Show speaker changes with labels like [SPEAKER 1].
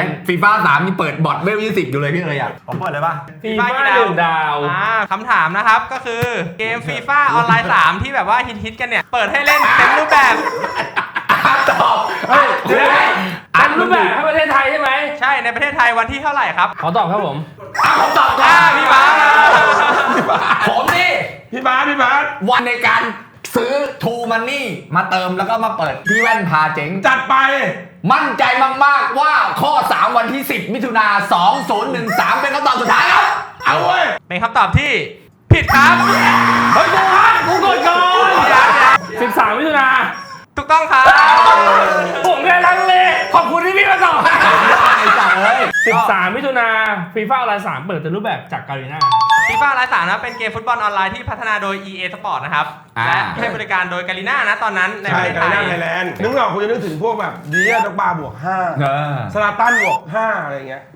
[SPEAKER 1] ฟีฟ่า3นี่เปิดบอทเวล20อยู่เลยพี่เลยอ่ะผมเปิดเลยป่ะ
[SPEAKER 2] ฟีฟ่า1 ดาว
[SPEAKER 3] คำถามนะครับก็คือเกมฟีฟ่าออนไลน์3ที่แบบว่าฮิตกันเนี่ยเปิดให้เล่นเต็มรูปแบบ
[SPEAKER 1] ตอบเฮ้ยเดี๋ยว
[SPEAKER 2] เต็มรูปแบบให้ประเทศไทยใช่ไหม
[SPEAKER 3] ใช่ในประเทศไทยวันที่เท่าไหร่ครับ
[SPEAKER 2] ขอตอบครับผม
[SPEAKER 1] ผมตอบก่อน
[SPEAKER 3] พี่บ้าส
[SPEAKER 1] ผมนี่
[SPEAKER 4] พี่บาส
[SPEAKER 1] วันในการซื้อทูมันนี่มาเติมแล้วก็มาเปิดพี่แว่นพาเจ๋ง
[SPEAKER 4] จัดไป
[SPEAKER 1] มั่นใจมากๆว่าข้อ 3 วันที่ 10 มิถุนา2013 เป็นคำตอบสุดท้ายครับ
[SPEAKER 4] เอาเว้ย
[SPEAKER 3] เป็นคำตอบที่ผิดครับ
[SPEAKER 2] เฮ้ยกูกดก่อน13 มิถุนา
[SPEAKER 3] ถูกต้องครับ
[SPEAKER 2] ผมแค่ลังเลขอบคุณที่พี่มาตอบ
[SPEAKER 1] ไอ้สัตว์เอ้ย
[SPEAKER 2] 13 มิถุนาฟีฟ่าออนไลน์3เปิดเต็มรูปแบบจากการีน่า
[SPEAKER 3] ฟีฟ่าไลน์3นะเป็นเกมฟุตบอลออนไลน์ที่พัฒนาโดย EA Sport นะครับและให้บริการโดยการีน่านะตอนนั้นในป
[SPEAKER 4] ใช่
[SPEAKER 3] ระเทศ
[SPEAKER 4] ไท
[SPEAKER 3] ไท
[SPEAKER 4] ย
[SPEAKER 3] ย
[SPEAKER 4] ไทยแลนด์นึกออกคุณจะนึกถึงพวกแบบดีอาด็อกบาบวก5
[SPEAKER 1] เออ
[SPEAKER 4] สลาตันบวก5อะไรเงี้ย